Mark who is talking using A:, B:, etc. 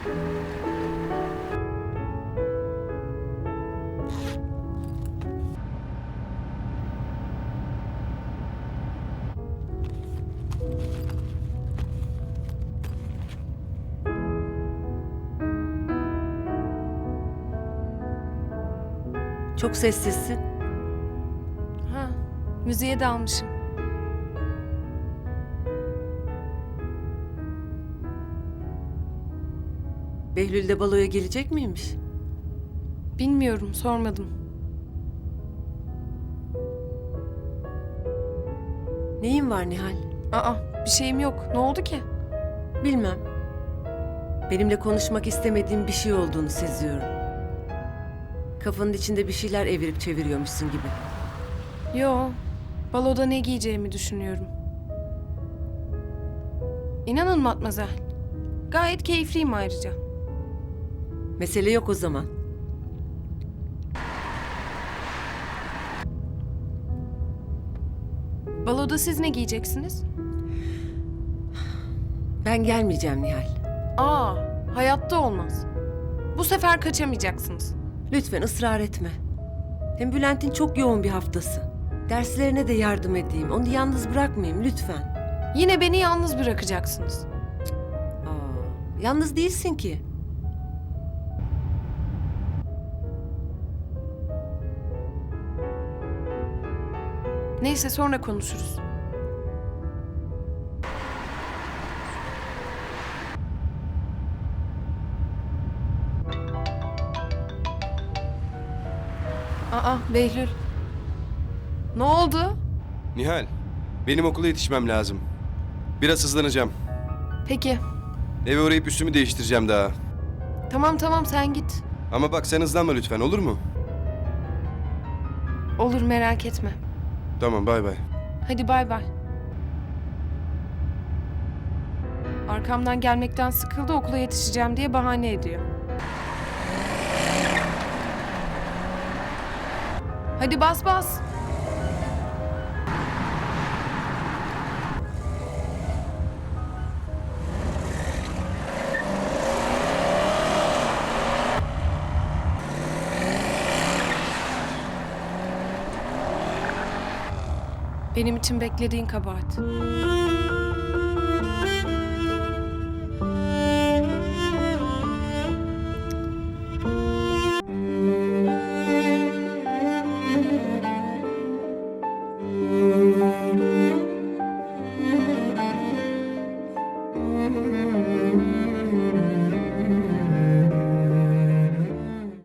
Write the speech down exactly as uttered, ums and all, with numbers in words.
A: Çok sessizsin.
B: Ha, müziğe dalmışım.
A: Behlül de baloya gelecek miymiş?
B: Bilmiyorum, sormadım.
A: Neyin var Nihal?
B: Aa, bir şeyim yok. Ne oldu ki?
A: Bilmem. Benimle konuşmak istemediğin bir şey olduğunu seziyorum. Kafanın içinde bir şeyler evirip çeviriyormuşsun gibi.
B: Yo, baloda ne giyeceğimi düşünüyorum. İnanın Matmazel, gayet keyifliyim ayrıca.
A: Mesele yok o zaman.
B: Baloda siz ne giyeceksiniz?
A: Ben gelmeyeceğim Nihal.
B: Aa, hayatta olmaz. Bu sefer kaçamayacaksınız.
A: Lütfen ısrar etme. Hem Bülent'in çok yoğun bir haftası. Derslerine de yardım edeyim. Onu yalnız bırakmayayım lütfen.
B: Yine beni yalnız bırakacaksınız.
A: Aa, yalnız değilsin ki.
B: Neyse sonra konuşuruz. Aa, Behlül. Ne oldu?
C: Nihal, benim okula yetişmem lazım. Biraz hızlanacağım.
B: Peki.
C: Eve uğrayıp üstümü değiştireceğim daha.
B: Tamam tamam sen git.
C: Ama bak sen hızlanma lütfen, olur mu?
B: Olur merak etme.
C: Tamam, bay bay.
B: Hadi bay bay. Arkamdan gelmekten sıkıldı, okula yetişeceğim diye bahane ediyor. Hadi bas bas. Benim için beklediğin kabahat.